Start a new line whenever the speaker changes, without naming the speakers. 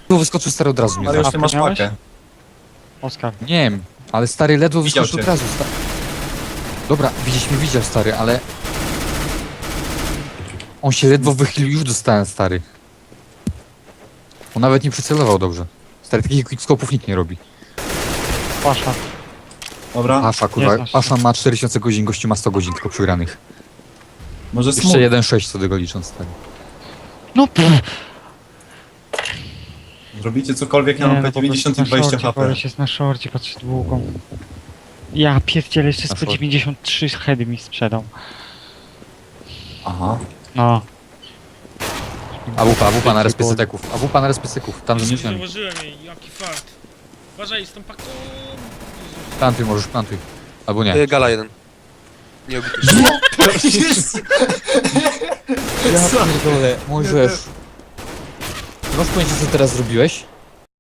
Tu wyskoczył stary od razu mnie
Ale już
zabił.
ty masz
miałeś?
pakę.
Oskar.
Nie wiem, ale stary ledwo
Widział
wyskoczył
cię.
od razu. Dobra, widzieć mnie widział stary, ale... On się ledwo wychylił, już dostałem stary. On nawet nie przycelował dobrze. Stary, takich quickskopów nikt nie robi.
Pasza.
Dobra,
Pasza, kurwa,
Jest nasz.
Pasza ma 4000 godzin, gościu ma 100 godzin tylko przygranych.
może
Jeszcze
smut.
1.6 co tego licząc, stary.
No pff.
Zrobicie cokolwiek, ja mam P90 i 20 HP.
Koleś jest na szorcie, patrzę długą. Ja pierdzielę, jeszcze z
Na szorcie.
P93 heady mi sprzedał.
Aha.
No.
AWP na respycyteków. AWP na respycyteków. Tam
Nie
ze skrzynami.
zauważyłem jej, jaki fart. Uważaj, z tą paką. Jezus.
Plantuj, możesz plantuj. Albo nie.
Gala jeden. Nie obity.
Ja pierdolę, możesz. Masz pojęcie co teraz zrobiłeś?